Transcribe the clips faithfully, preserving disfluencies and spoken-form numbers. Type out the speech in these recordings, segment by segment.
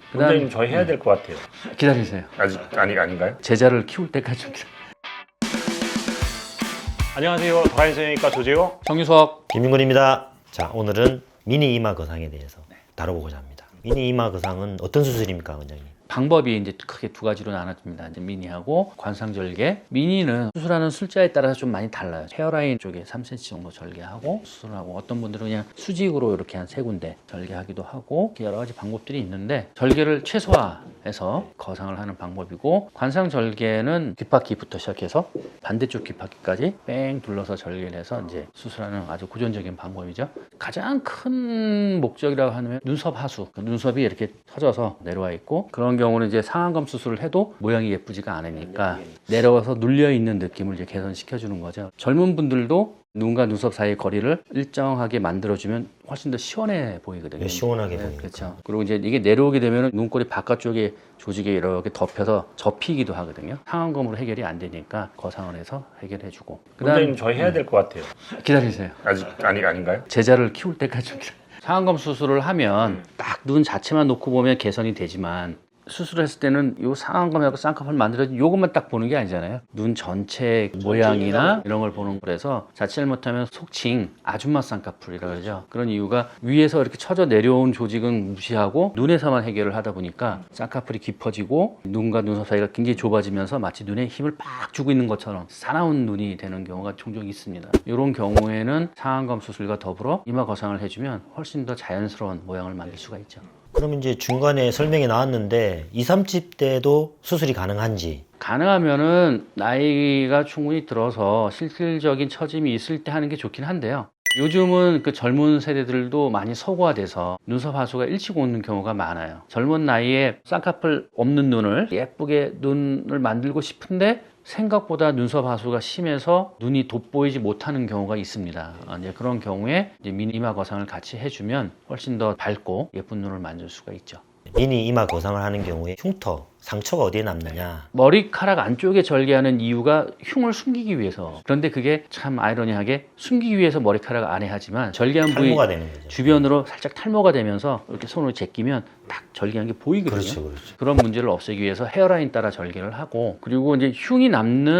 원장님 저희 해야 될 것 같아요. 기다리세요. 아직 아니 아닌가요? 제자를 키울 때까지 좀 기다려. 안녕하세요. 도라인 성형외과 조재호. 정유석. 김윤근입니다. 자, 오늘은 미니 이마 거상에 대해서 다뤄보고자 합니다. 미니 이마 거상은 어떤 수술입니까, 원장님? 방법이 이제 크게 두 가지로 나눠집니다. 이제 미니하고 관상절개. 미니는 수술하는 술자에 따라서 좀 많이 달라요. 헤어라인 쪽에 삼 센티미터 정도 절개하고 수술하고, 어떤 분들은 그냥 수직으로 이렇게 한 세 군데 절개하기도 하고, 여러 가지 방법들이 있는데 절개를 최소화해서 거상을 하는 방법이고, 관상절개는 귓바퀴부터 시작해서 반대쪽 귓바퀴까지 뺑 둘러서 절개를 해서 이제 수술하는 아주 고전적인 방법이죠. 가장 큰 목적이라고 하면 눈썹 하수, 눈썹이 이렇게 터져서 내려와 있고, 그런 경우는 이제 상안검 수술을 해도 모양이 예쁘지가 않으니까 내려와서 눌려 있는 느낌을 이제 개선시켜 주는 거죠. 젊은 분들도 눈과 눈썹 사이의 거리를 일정하게 만들어주면 훨씬 더 시원해 보이거든요. 네, 시원하게 네, 보이니까. 그렇죠. 그리고 이제 이게 내려오게 되면 눈꼬리 바깥쪽에 조직이 이렇게 덮여서 접히기도 하거든요. 상안검으로 해결이 안 되니까 거상원에서 해결해주고. 원장님 저희 해야 될 것 같아요. 기다리세요. 아직 아니 아닌가요? 제자를 키울 때까지 좀 기다려. 상안검 수술을 하면 딱 눈 자체만 놓고 보면 개선이 되지만, 수술을 했을 때는 요 상안검하고 쌍꺼풀 만들어진 요것만 딱 보는 게 아니잖아요. 눈 전체 모양이나 이런 걸 보는 거라서, 자칫 잘못하면 속칭 아줌마 쌍꺼풀이라고 그러죠. 그런 이유가 위에서 이렇게 쳐져 내려온 조직은 무시하고 눈에서만 해결을 하다 보니까 쌍꺼풀이 깊어지고 눈과 눈썹 사이가 굉장히 좁아지면서 마치 눈에 힘을 팍 주고 있는 것처럼 사나운 눈이 되는 경우가 종종 있습니다. 이런 경우에는 상안검 수술과 더불어 이마 거상을 해주면 훨씬 더 자연스러운 모양을 만들 수가 있죠. 그럼 이제 중간에 설명이 나왔는데 이십, 삼십 대도 수술이 가능한지? 가능하면은 나이가 충분히 들어서 실질적인 처짐이 있을 때 하는 게 좋긴 한데요. 요즘은 그 젊은 세대들도 많이 서구화돼서 눈썹 하수가 일찍 오는 경우가 많아요. 젊은 나이에 쌍꺼풀 없는 눈을 예쁘게 눈을 만들고 싶은데 생각보다 눈썹 하수가 심해서 눈이 돋보이지 못하는 경우가 있습니다. 이제 그런 경우에 이제 미니 이마 거상을 같이 해주면 훨씬 더 밝고 예쁜 눈을 만들 수가 있죠. 미니 이마 거상을 하는 경우에 흉터, 상처가 어디에 남느냐? 머리카락 안쪽에 절개하는 이유가 흉을 숨기기 위해서. 그런데 그게 참 아이러니하게 숨기기 위해서 머리카락 안에 하지만, 절개한 부위 탈모가 되는 거죠. 주변으로 살짝 탈모가 되면서 이렇게 손으로 제끼면 딱 절개한 게 보이거든요. 그렇죠, 그렇죠. 그런 문제를 없애기 위해서 헤어라인 따라 절개를 하고, 그리고 이제 흉이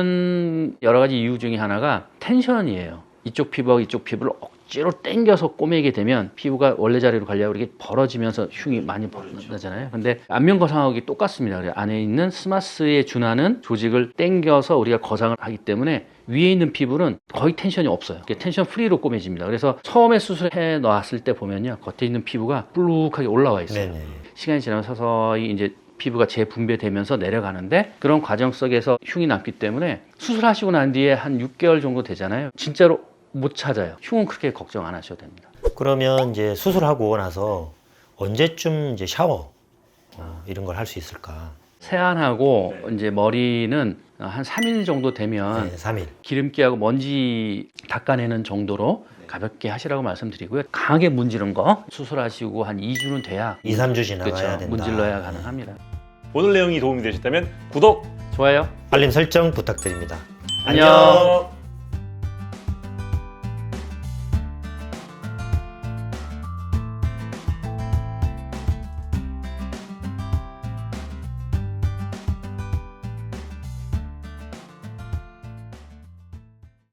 남는 여러 가지 이유 중에 하나가 텐션이에요. 이쪽 피부하고 이쪽 피부를 억지로 당겨서 꼬매게 되면 피부가 원래 자리로 가려고 이렇게 벌어지면서 흉이 많이 벌어지잖아요. 근데 안면 거상하기 똑같습니다. 안에 있는 스마스에 준하는 조직을 당겨서 우리가 거상을 하기 때문에 위에 있는 피부는 거의 텐션이 없어요. 텐션 프리로 꼬매집니다. 그래서 처음에 수술해 놨을 때 보면요, 겉에 있는 피부가 불룩하게 올라와 있어요. 네네. 시간이 지나면 서서히 이제 피부가 재분배되면서 내려가는데, 그런 과정 속에서 흉이 남기 때문에 수술하시고 난 뒤에 한 육 개월 정도 되잖아요. 진짜로 못 찾아요. 흉은 그렇게 걱정 안 하셔도 됩니다. 그러면 이제 수술하고 나서 언제쯤 이제 샤워 어, 이런 걸 할 수 있을까? 세안하고 이제 머리는 한 삼 일 정도 되면 네, 삼 일. 기름기하고 먼지 닦아내는 정도로 가볍게 하시라고 말씀드리고요. 강하게 문지른 거 수술하시고 한 이 주는 돼야 이, 삼 주 지나가야 그렇죠, 된다. 문질러야 가능합니다. 오늘 내용이 도움이 되셨다면 구독, 좋아요. 알림 설정 부탁드립니다. 안녕.